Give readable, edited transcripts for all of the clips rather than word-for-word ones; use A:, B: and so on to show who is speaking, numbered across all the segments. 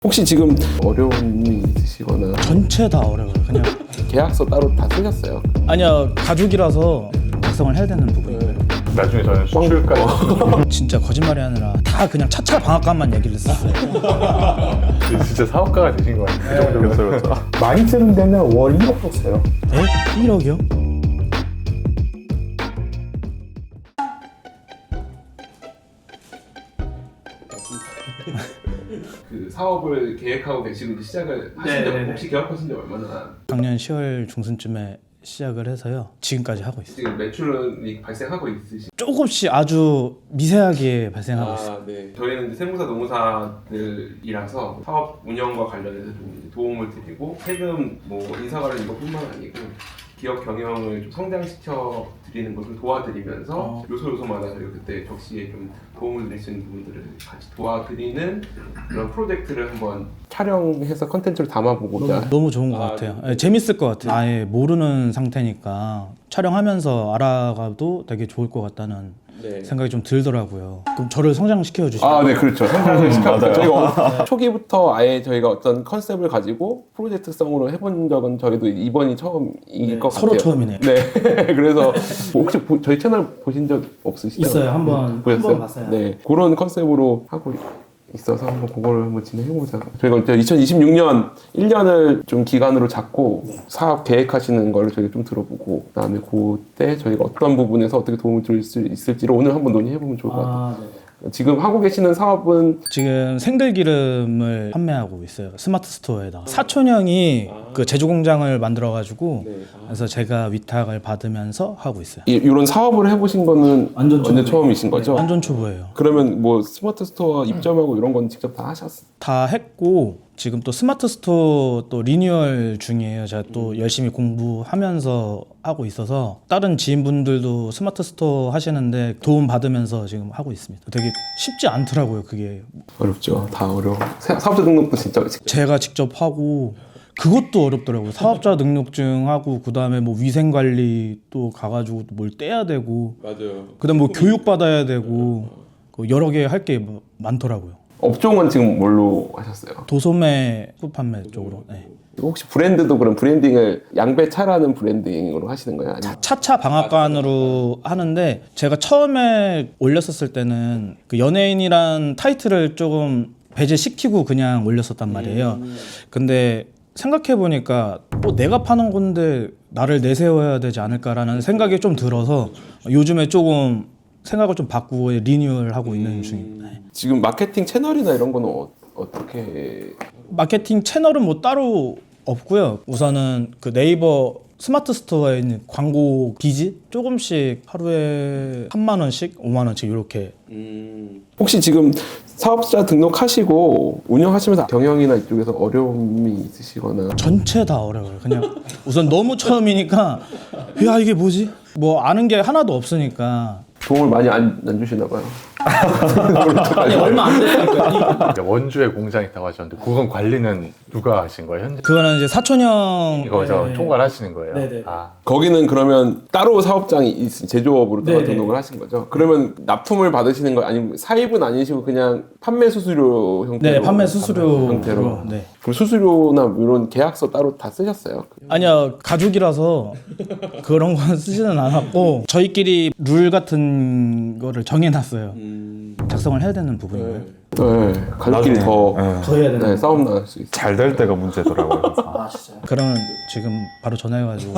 A: 혹시 지금 어려움이 있으시거나
B: 전체 다 어려워요. 그냥
A: 계약서 따로 다 쓰셨어요?
B: 아니야, 가족이라서 작성을 해야 되는 부분이에요.
C: 나중에 저는 수출까지
B: 진짜 거짓말이 아니라 다 그냥 차차 방앗간만 얘기를 했었어요.
C: 진짜 사업가가 되신 거 같아요. 그 정도로.
D: 많이 쓰는 데는 월 1억도 써요.
B: 에? 1억이요?
A: 그 사업을 계획하고 계시고 이제 시작을 하신 지 혹시 계약하신 지 얼마나
B: 작년 10월 중순쯤에 시작을 해서요. 지금까지 하고 있어요.
A: 지금 매출이 발생하고 있으신?
B: 조금씩 아주 미세하게 발생하고 있어요.
A: 네. 저희는 이제 세무사 노무사들이라서 사업 운영과 관련해서 좀 도움을 드리고 세금 뭐 인사 관련 이것뿐만 아니고 기업 경영을 좀 성장시켜 드리는 것을 도와드리면서 요소마다 저희가 그때 적시에 좀 도움을 드릴 수 있는 부분들을 같이 도와드리는 그런 프로젝트를 한번 촬영해서 컨텐츠를 담아보고자.
B: 너무 좋은 것 같아요. 네, 재밌을 것 같아요. 아예 모르는 상태니까 촬영하면서 알아가도 되게 좋을 것 같다는 생각이 좀 들더라고요. 그럼 저를 성장시켜 주시면.
A: 네, 그렇죠. 성장을 시켜서 저희가 초기부터 아예 저희가 어떤 컨셉을 가지고 프로젝트성으로 해본 적은 저희도 이번이 처음일 것 같아요.
B: 서로 처음이네요.
A: 네. 그래서 혹시 저희 채널 보신 적 없으시죠?
B: 있어요. 한번
A: 보셨어요?
B: 봤어요.
A: 네. 그런 컨셉으로 하고 있어서 한번 그거를 한번 진행해보자. 저희가 이제 2026년 1년을 좀 기간으로 잡고 사업 계획하시는 거를 저희가 좀 들어보고 그다음에 그때 저희가 어떤 부분에서 어떻게 도움을 드릴 수 있을지를 오늘 한번 논의해보면 좋을 것 같아요. 지금 하고 계시는 사업은
B: 지금 생들기름을 판매하고 있어요. 스마트 스토어에다가. 사촌 형이 그 제조 공장을 만들어가지고 그래서 제가 위탁을 받으면서 하고 있어요.
A: 이런 사업을 해보신 거는 완전 처음이신 거죠?
B: 완전 초보예요.
A: 그러면 뭐 스마트 스토어 입점하고 이런 건 직접 다 하셨어요?
B: 다 했고 지금 또 스마트 스토어 또 리뉴얼 중이에요. 제가 또 열심히 공부하면서 하고 있어서 다른 지인분들도 스마트 스토어 하시는데 도움 받으면서 지금 하고 있습니다. 되게 쉽지 않더라고요. 그게
A: 어렵죠. 다 어려워. 사업자 등록도 진짜
B: 제가 직접 하고 그것도 어렵더라고요. 사업자 등록증 하고 그다음에 뭐 위생 관리 또 가가지고 뭘 떼야 되고
A: 맞아요.
B: 그다음 뭐 교육 받아야 되고 그 여러 개 할 게 많더라고요.
A: 업종은 지금 뭘로 하셨어요?
B: 도소매 판매 쪽으로. 네.
A: 혹시 브랜드도 그럼 브랜딩을 양배차라는 브랜딩으로 하시는 거예요? 아니면
B: 차차 방앗간으로 하는데 제가 처음에 올렸었을 때는 그 연예인이란 타이틀을 조금 배제시키고 그냥 올렸었단 말이에요. 근데 생각해보니까 뭐 내가 파는 건데 나를 내세워야 되지 않을까라는 생각이 좀 들어서 요즘에 조금 생각을 좀 바꾸고 리뉴얼하고 있는 중입니다. 네.
A: 지금 마케팅 채널이나 이런 거는 어떻게?
B: 마케팅 채널은 뭐 따로 없고요. 우선은 그 네이버 스마트 스토어에 있는 광고 비지 조금씩 하루에 3만 원씩, 5만 원씩 이렇게.
A: 혹시 지금 사업자 등록하시고 운영하시면서 경영이나 이쪽에서 어려움이 있으시거나?
B: 전체 다 어려워요. 그냥 우선 너무 처음이니까 야 이게 뭐지? 뭐 아는 게 하나도 없으니까.
A: 도움을 많이 안 주시나 봐요.
B: 아니 얼마 안 되니까.
C: 이제 원주에 공장이 있다고 하셨는데 그건 관리는 누가 하신 거예요? 현재
B: 그거는 이제 사촌 형.
C: 이거서 총괄하시는 거예요?
B: 네네.
A: 거기는 그러면 따로 사업장이 제조업으로 다
B: 네네.
A: 등록을 하신 거죠? 그러면 납품을 받으시는 거 아니면 사입은 아니시고 그냥 판매 수수료 형태로?
B: 네, 판매 수수료
A: 형태로.
B: 네.
A: 그럼 수수료나 이런 계약서 따로 다 쓰셨어요?
B: 아니야, 가족이라서 그런 건 쓰지는 않았고 저희끼리 룰 같은 거를 정해놨어요. 작성을 해야 되는 부분이에요.
A: 네, 가족끼리 더
B: 해야
A: 네, 싸움 나갈 수 있어요.
D: 잘 될 때가 문제더라고요.
B: 아 진짜요? 그러면 지금 바로 전화해가지고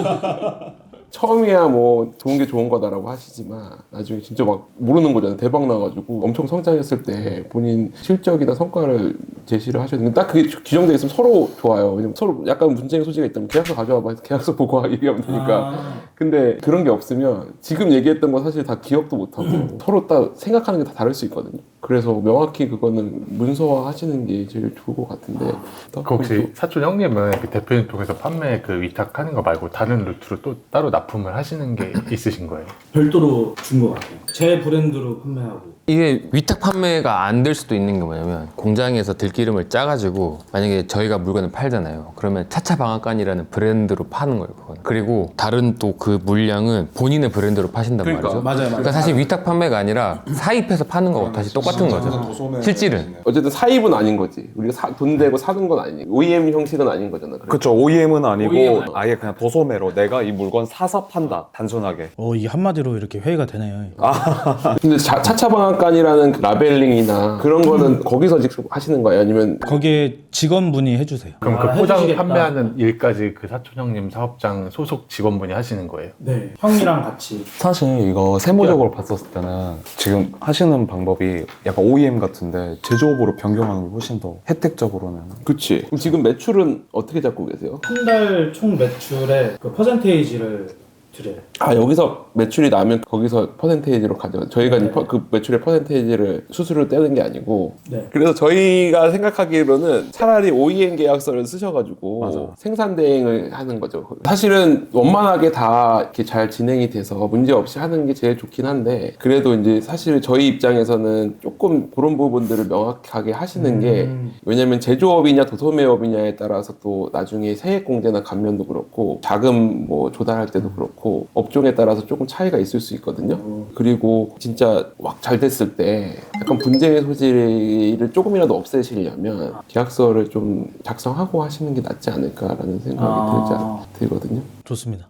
A: 처음이야 뭐 좋은 게 좋은 거다라고 하시지만 나중에 진짜 막 모르는 거잖아요. 대박 나가지고 엄청 성장했을 때 본인 실적이나 성과를 제시를 하셔야 되는데 딱 그게 규정되어 있으면 서로 좋아요. 왜냐면 서로 약간 문제의 소지가 있다면 계약서 가져와봐 해서 계약서 보고 얘기하면 되니까. 근데 그런 게 없으면 지금 얘기했던 거 사실 다 기억도 못하고 서로 딱 생각하는 게 다 다를 수 있거든요. 그래서 명확히 그거는 문서화 하시는 게 제일 좋을 것 같은데.
C: 그 혹시 사촌 형님은 그 대표님 통해서 판매 그 위탁하는 거 말고 다른 루트로 또 따로 납품을 하시는 게 있으신 거예요?
B: 별도로 준 것 같아요. 제 브랜드로 판매하고.
E: 이게 위탁 판매가 안 될 수도 있는 게 뭐냐면 공장에서 들기름을 짜가지고 만약에 저희가 물건을 팔잖아요. 그러면 차차 방앗간이라는 브랜드로 파는 거예요. 그건. 그리고 다른 또 그 물량은 본인의 브랜드로 파신단 말이죠.
B: 맞아요.
E: 그러니까 사실 위탁 판매가 아니라 사입해서 파는 거하고 다시 똑같아요. 똑같은 거죠. 실질은.
A: 어쨌든 사입은 아닌 거지. 우리가 돈 대고 사는 건 아니고 OEM 형식은 아닌 거잖아. 그래.
D: 그쵸. OEM은 아니고
A: OEM 은
D: 아예 그냥 도소매로 내가 이 물건 사서 판다. 단순하게.
B: 이 한마디로 이렇게 회의가 되네요.
A: 근데 차차방앗간이라는 그 라벨링이나 그런 거는 거기서 직접 하시는 거예요? 아니면
B: 거기에 직원분이 해주세요.
C: 그럼 그 포장 판매하는 일까지 그 사촌 형님 사업장 소속 직원분이 하시는 거예요?
B: 네, 형이랑 같이.
D: 사실 이거 세무적으로 봤었을 때는 지금 하시는 방법이 약간 OEM 같은데 제조업으로 변경하는 게 훨씬 더 혜택적으로는.
A: 그치. 그럼 지금 매출은 어떻게 잡고 계세요?
B: 한 달 총 매출의 그 퍼센테이지를 드려요.
A: 아, 여기서 매출이 나면 거기서 퍼센테이지로 가져가. 저희가 이제 그 매출의 퍼센테이지를 수수료 떼는 게 아니고.
B: 네.
A: 그래서 저희가 생각하기로는 차라리 OEM 계약서를 쓰셔가지고
D: 맞아.
A: 생산 대행을 하는 거죠. 사실은 원만하게 다 이렇게 잘 진행이 돼서 문제 없이 하는 게 제일 좋긴 한데, 그래도 이제 사실 저희 입장에서는 조금 그런 부분들을 명확하게 하시는 게, 왜냐면 제조업이냐 도소매업이냐에 따라서 또 나중에 세액 공제나 감면도 그렇고 자금 뭐 조달할 때도 그렇고 업종에 따라서 조금 차이가 있을 수 있거든요. 그리고 진짜 막 잘 됐을 때 약간 분쟁의 소지를 조금이라도 없애시려면 계약서를 좀 작성하고 하시는 게 낫지 않을까라는 생각이 들거든요.
B: 좋습니다.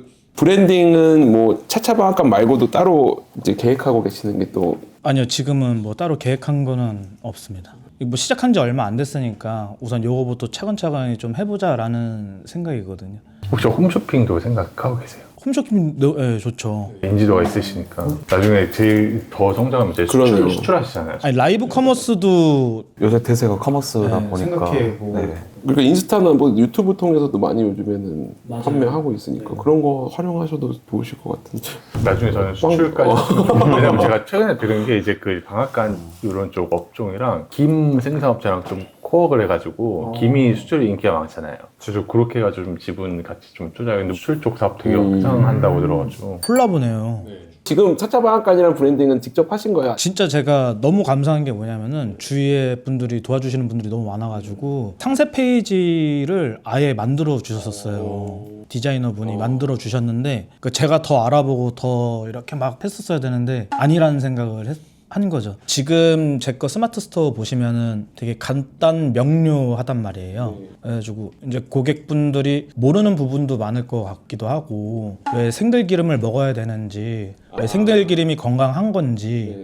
A: 브랜딩은 뭐 차차방앗간 말고도 따로 이제 계획하고 계시는 게 또
B: 아니요, 지금은 뭐 따로 계획한 거는 없습니다. 뭐 시작한 지 얼마 안 됐으니까 우선 요거부터 차근차근히 좀 해보자라는 생각이거든요.
C: 혹시 홈쇼핑도 생각하고 계세요?
B: 홈쇼핑, 네, 좋죠.
C: 인지도가 있으시니까 나중에 제일 더 성장하면 이제
A: 그러네요.
C: 수출하시잖아요.
B: 아니, 라이브 커머스도
D: 요새 대세가 커머스다
B: 네,
D: 보니까.
B: 생각해보고.
D: 네.
A: 그러니까 인스타나 뭐 유튜브 통해서도 많이 요즘에는 판매하고 있으니까 그런 거 활용하셔도 좋으실 것 같은데.
C: 나중에 저는 수출까지 왜냐면 제가 최근에 들은 게 이제 그 방앗간 이런 쪽 업종이랑 김 생산업체랑 좀 코어를 해가지고 김이 수출이 인기가 많잖아요. 저도 그렇게 해가지고 좀 지분 같이 좀 투자했는데 수출 쪽 사업 되게 확장한다고 들어가지고.
B: 콜라보네요.
A: 지금 차차방앗간이라는 브랜딩은 직접 하신 거야?
B: 진짜 제가 너무 감사한 게 뭐냐면은 주위에 분들이 도와주시는 분들이 너무 많아가지고 상세 페이지를 아예 만들어 주셨었어요. 디자이너 분이 만들어 주셨는데 제가 더 알아보고 더 이렇게 막 했었어야 되는데 아니라는 생각을 하는 거죠. 지금 제 거 스마트 스토어 보시면은 되게 간단 명료하단 말이에요. 그래가지고 이제 고객분들이 모르는 부분도 많을 것 같기도 하고, 왜 생들기름을 먹어야 되는지, 왜 생들기름이 건강한 건지,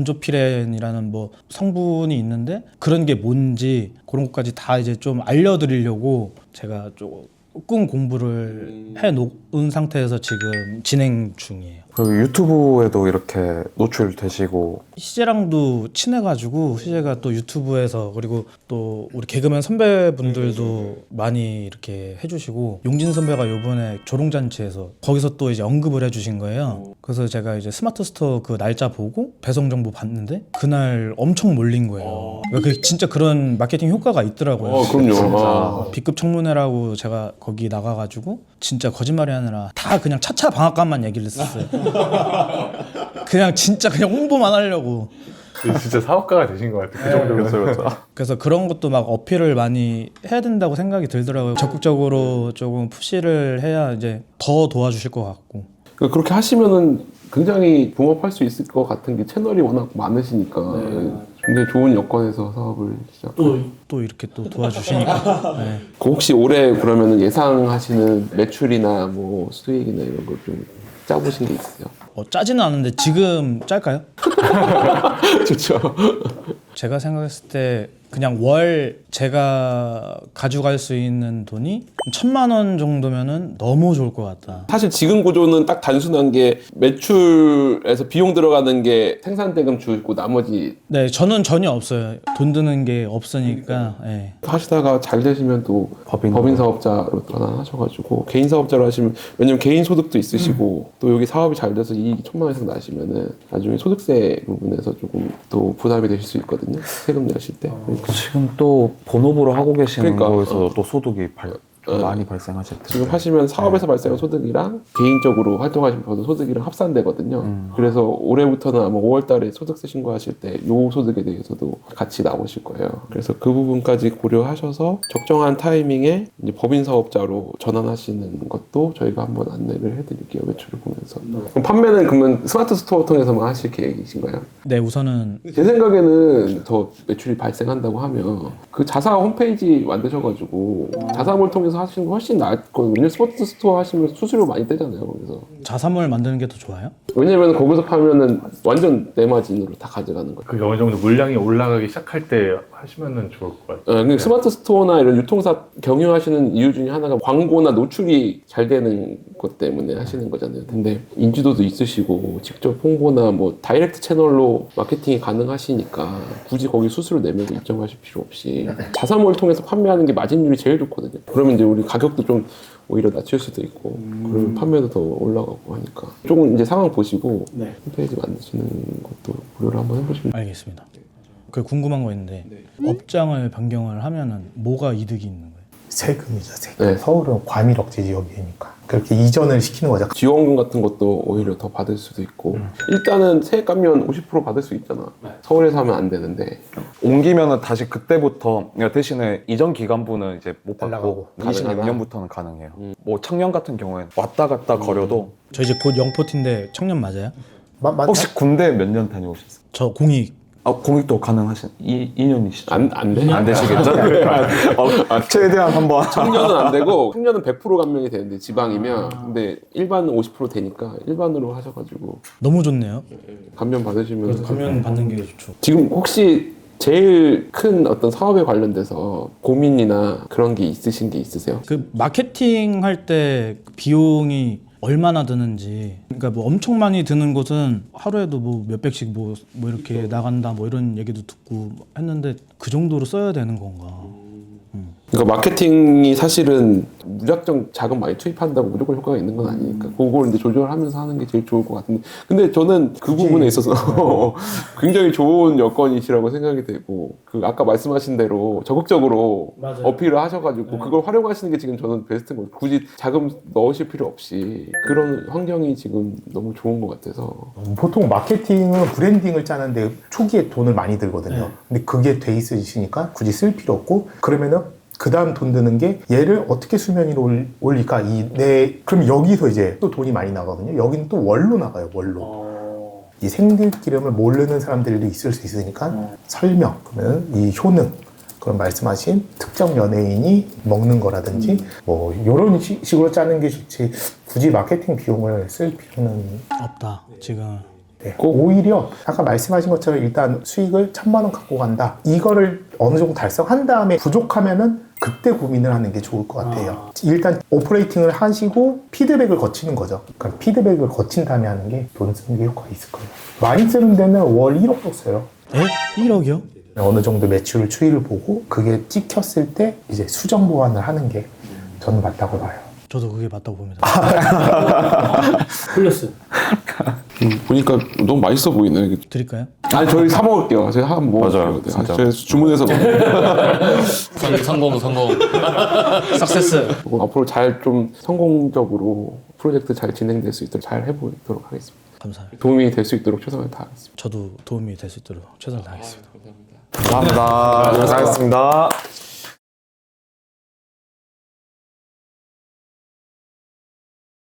B: 벤조피렌이라는 뭐 성분이 있는데 그런 게 뭔지 그런 것까지 다 이제 좀 알려드리려고 제가 조금 공부를 해놓은 상태에서 지금 진행 중이에요.
D: 그리고 유튜브에도 이렇게 노출되시고.
B: 희재랑도 친해가지고 희재가 또 유튜브에서, 그리고 또 우리 개그맨 선배분들도 많이 이렇게 해주시고, 용진 선배가 요번에 조롱잔치에서 거기서 또 이제 언급을 해주신 거예요. 그래서 제가 이제 스마트 스토어 그 날짜 보고 배송 정보 봤는데 그날 엄청 몰린 거예요. 그러니까 진짜 그런 마케팅 효과가 있더라고요.
A: 그럼요.
B: B급 청문회라고 제가 거기 나가가지고 진짜 거짓말이 아니라 다 그냥 차차 방앗간만 얘기를 했었어요. 그냥 진짜 그냥 홍보만 하려고.
C: 진짜 사업가가 되신 것 같아요. 그 정도면.
B: 그래서 그런 것도 막 어필을 많이 해야 된다고 생각이 들더라고요. 적극적으로 조금 푸시를 해야 이제 더 도와주실 것 같고.
A: 그렇게 하시면은 굉장히 붕업할 수 있을 것 같은 게 채널이 워낙 많으시니까 굉장히 좋은 여건에서 사업을 시작.
B: 또 이렇게 또 도와주시니까. 네.
A: 혹시 올해 그러면은 예상하시는 매출이나 뭐 수익이나 이런 걸 좀 짜보신 게 있으세요?
B: 짜지는 않은데 지금 짤까요?
A: 좋죠.
B: 제가 생각했을 때 그냥 월 제가 가져갈 수 있는 돈이 1,000만 원 정도면은 너무 좋을 것 같다.
A: 사실 지금 구조는 딱 단순한 게 매출에서 비용 들어가는 게 생산대금 주고 나머지
B: 네, 저는 전혀 없어요. 돈 드는 게 없으니까. 네.
A: 하시다가 잘 되시면 또 법인 사업자로 전환하셔가지고 개인 사업자로 하시면, 왜냐면 개인 소득도 있으시고 또 여기 사업이 잘 돼서 이익이 1,000만 원 이상 나시면은 나중에 소득세 부분에서 조금 또 부담이 되실 수 있거든요. 세금 내실 때.
D: 지금 또 본업으로 하고 계시는
A: 그러니까.
D: 거에서 또 소득이 많이 발생하실 텐데.
A: 지금 하시면 사업에서 발생한 소득이랑 개인적으로 활동하시면서 소득이랑 합산되거든요. 그래서 올해부터는 아마 5월달에 소득세 신고하실 때 요 소득에 대해서도 같이 나오실 거예요. 그래서 그 부분까지 고려하셔서 적정한 타이밍에 이제 법인 사업자로 전환하시는 것도 저희가 한번 안내를 해드릴게요. 매출을 보면서. 그럼 판매는 그러면 스마트 스토어 통해서만 하실 계획이신가요?
B: 네, 우선은
A: 제 생각에는 더 매출이 발생한다고 하면 그 자사 홈페이지 만드셔가지고 자사몰 통해서 하시는 거 훨씬 나을 거예요. 왜냐면 스포츠 스토어 하시면 수수료 많이 떼잖아요. 거기서.
B: 자사몰 만드는 게 더 좋아요?
A: 왜냐면 거기서 파면은 완전 내 마진으로 다 가져가는 거예요.
C: 그게 어느 정도 물량이 올라가기 시작할 때 하시면은 좋을 것 같아요.
A: 근데 스마트 스토어나 이런 유통사 경영하시는 이유 중에 하나가 광고나 노출이 잘 되는 것 때문에 하시는 거잖아요. 근데 인지도도 있으시고 직접 홍보나 뭐 다이렉트 채널로 마케팅이 가능하시니까 굳이 거기 수수료 내면서 입점하실 필요 없이 자사몰 통해서 판매하는 게 마진율이 제일 좋거든요. 그러면 이제 우리 가격도 좀 오히려 낮출 수도 있고 그러면 판매도 더 올라가고 하니까 조금 이제 상황 보시고 홈페이지 만드시는 것도 고려를 한번 해보시면
B: 알겠습니다. 그 궁금한 거 있는데 업장을 변경을 하면은 뭐가 이득이 있는 거예요?
F: 세금이죠, 세금.
A: 네.
F: 서울은 과밀억제 지역이니까 그렇게 이전을 시키는 거죠.
A: 지원금 같은 것도 오히려 더 받을 수도 있고 일단은 세액 감면 50% 받을 수 있잖아. 서울에서 하면 안 되는데
D: 옮기면은 다시 그때부터 그러니까 대신에 이전 기간부는 이제 못 받고
F: 날라가고.
D: 26년부터는 가능해요. 뭐 청년 같은 경우에는 왔다 갔다 거려도
B: 저 이제 곧 영포티인데 청년 맞아요?
D: 혹시 군대 몇 년 다녀오셨어요?
B: 저 공익.
D: 공익도 가능하신 2년이시죠?
A: 안 돼.
D: 안 되시겠죠? 최대한 한번
A: 청년은 안 되고 청년은 100% 감면이 되는데 지방이면 근데 일반은 50% 되니까 일반으로 하셔가지고
B: 너무 좋네요.
A: 감면 받으시면
B: 감면 받는 게 좋죠.
A: 지금 혹시 제일 큰 어떤 사업에 관련돼서 고민이나 그런 게 있으신 게 있으세요?
B: 그 마케팅 할 때 비용이 얼마나 드는지, 그러니까 뭐 엄청 많이 드는 곳은 하루에도 뭐 몇백씩 뭐 이렇게 나간다 뭐 이런 얘기도 듣고 했는데 그 정도로 써야 되는 건가?
A: 그러니까 마케팅이 사실은 무작정 자금 많이 투입한다고 무조건 효과가 있는 건 아니니까 그걸 이제 조절하면서 하는 게 제일 좋을 것 같은데 근데 저는 그 부분에 있어서 굉장히 좋은 여건이시라고 생각이 되고 그 아까 말씀하신 대로 적극적으로 어필을 하셔가지고 그걸 활용하시는 게 지금 저는 베스트인 것 같아요. 굳이 자금 넣으실 필요 없이 그런 환경이 지금 너무 좋은 것 같아서
F: 보통 마케팅은 브랜딩을 짜는데 초기에 돈을 많이 들거든요. 근데 그게 돼 있으시니까 굳이 쓸 필요 없고 그러면은 그 다음 돈 드는 게 얘를 어떻게 수면 위로 올릴까 그럼 여기서 이제 또 돈이 많이 나가거든요. 여기는 또 월로 나가요. 월로. 이 생들기름을 모르는 사람들도 있을 수 있으니까 설명, 그러면 이 효능, 그런 말씀하신 특정 연예인이 먹는 거라든지 뭐 이런 식으로 짜는 게 좋지 굳이 마케팅 비용을 쓸 필요는
B: 없다 지금.
F: 네. 오히려 아까 말씀하신 것처럼 일단 수익을 1,000만 원 갖고 간다. 이거를 어느 정도 달성한 다음에 부족하면은 그때 고민을 하는 게 좋을 것 같아요. 일단 오퍼레이팅을 하시고 피드백을 거치는 거죠. 그러니까 피드백을 거친 다음에 하는 게 돈 쓰는 게 효과가 있을 거예요. 많이 쓰는 데는 월 1억도 써요.
B: 에? 1억이요?
F: 어느 정도 매출 추이를 보고 그게 찍혔을 때 이제 수정 보완을 하는 게 저는 맞다고 봐요.
B: 저도 그게 맞다고 봅니다. 흘렸어요.
A: 보니까 너무 맛있어 보이네. 이게.
B: 드릴까요?
A: 아니 저희 사 먹을게요. 저희 한번 먹을게요.
D: 맞아요,
A: 네.
D: 진짜.
A: 저희 주문해서 먹을게요.
E: 성공.
B: 석세스.
A: 앞으로 잘 좀 성공적으로 프로젝트 잘 진행될 수 있도록 잘 해보도록 하겠습니다.
B: 감사합니다.
A: 도움이 될 수 있도록 최선을 다하겠습니다.
B: 저도 도움이 될 수 있도록 최선을 다하겠습니다.
D: 감사합니다. 고생하셨습니다.